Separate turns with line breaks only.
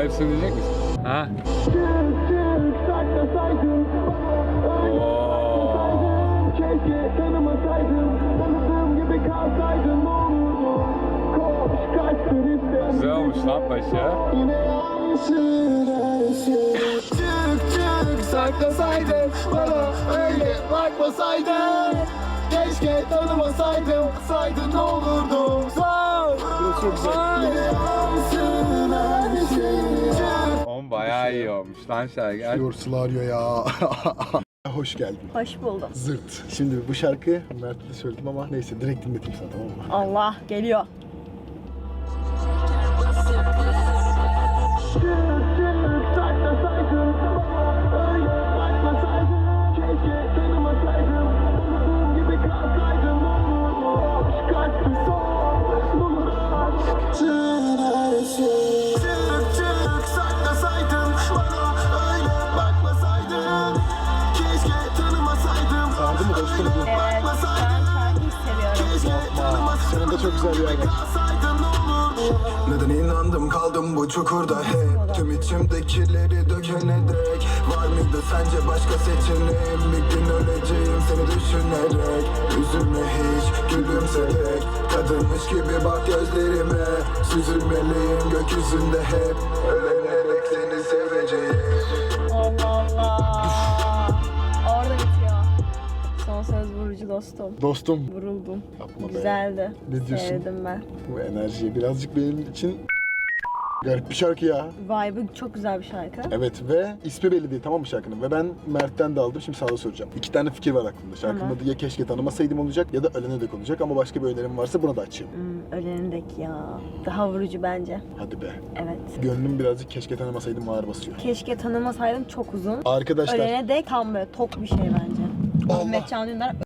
hepsini diyecek misin? Ha?
Keşke tanımasaydım, tanıdığım gibi kalsaydım, ne olurdu? Koş kaçtır işte.
Güzel olmuş lan başı.
Yine yansın her şey. Çık saklasaydın, bana öyle bakmasaydın. Keşke tanımasaydım, saydın ne olurdu?
Burası çok güzel.
Yine yansın her şey.
Oğlum bayağı iyi olmuş lan şarkı.
Yorsula arıyor ya. Hoş geldin.
Hoş buldum.
Zırt. Şimdi bu şarkı Mert'e de söyledim ama neyse direkt dinleteyim sana, tamam mı?
Allah geliyor.
Çık saklasaydın, öyle bakmasaydın. Keşke tanımasaydım, tanıdığım gibi kalsaydım, ne olurdu? Aşk kaçtı son, bulur aşk. Her şey. Çık saklasaydın, bana öyle bakmasaydın. Keşke tanımasaydım.
Sardı mı dostum bu?
Evet, ben şarkıyı seviyorum.
Senin de çok güzel bir yer var.
Neden inandım kaldım bu çukurda hep tüm içimdekileri dökene dek. Var mıydı sence başka seçeneğim? Bir gün öleceğim seni düşünerek. Üzülme hiç gülümserek. Kadınmış gibi bak gözlerime. Süzülmeliyim gökyüzünde hep. Ölenerek seni seveceğim.
Allah Allah. Orada bitiyor. Son söz vurucu dostum.
Dostum.
Vuruldum.
Yapma be.
Güzeldi.
Ne diyorsun?
Sevdim ben.
Bu enerjiye birazcık benim için garip bir şarkı ya.
Vibe'ı çok güzel bir şarkı.
Evet ve ismi belli değil, tamam mı şarkının? Ve ben Mert'ten de aldım, şimdi sana da soracağım. 2 tane fikir var aklımda. Şarkının
Tamam.
adı ya keşke tanımasaydım olacak ya da ölene dek olacak ama başka bir önerim varsa buna da açayım.
Ölenindeki ya. Daha vurucu bence.
Hadi be.
Evet.
Gönlüm birazcık keşke tanımasaydım ağır basıyor.
Keşke tanımasaydım çok uzun.
Arkadaşlar
Ölene dek tam böyle tok bir şey bence.
Allah.
Ahmet Can Dündar